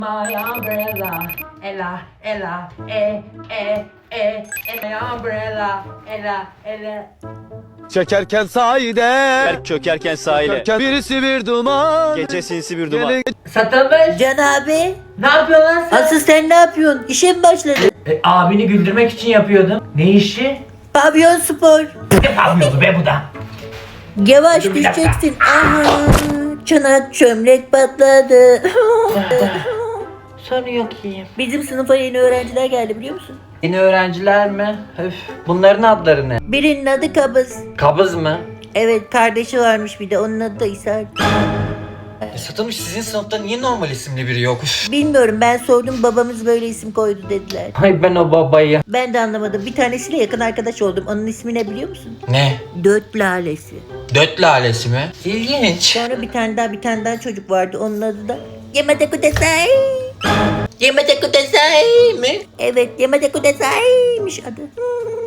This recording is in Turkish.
My umbrella, Ella, Ella, my umbrella, Ella. Çekerken sahide, Berk çökerken sahile. çökerken birisi bir duman. Gece sinsi bir duman. Gele- Satılmış. Can abi. Ne yapıyorsun lan sen? Asıl sen ne yapıyorsun? İşe mi başladın? Abini güldürmek için yapıyordum. Ne işi? Pavyon spor. Ne yapıyordu be bu da? Yavaş Dur bir dakika. düşeceksin. Aha. Çanak çömlek patladı. Sorun yok iyiyim. Bizim sınıfa yeni öğrenciler geldi biliyor musun? Yeni öğrenciler mi? Öf. Bunların adları ne? Birinin adı Kabız. Kabız mı? Evet kardeşi varmış bir de onun adı da İshak. Satılmış sizin sınıfta niye normal isimli biri yok? Bilmiyorum ben sordum babamız böyle isim koydu dediler. Ay ben o babayı. Ben de anlamadım. Bir tanesiyle yakın arkadaş oldum. Onun ismi ne biliyor musun? Ne? Dört lalesi. Döt lalesi mi? İlginç. Sonra bir tane daha çocuk vardı. Onun adı da Yamada Kudasai. Yamada Kudasai mi? Evet Yamada Kudasai'miş adı.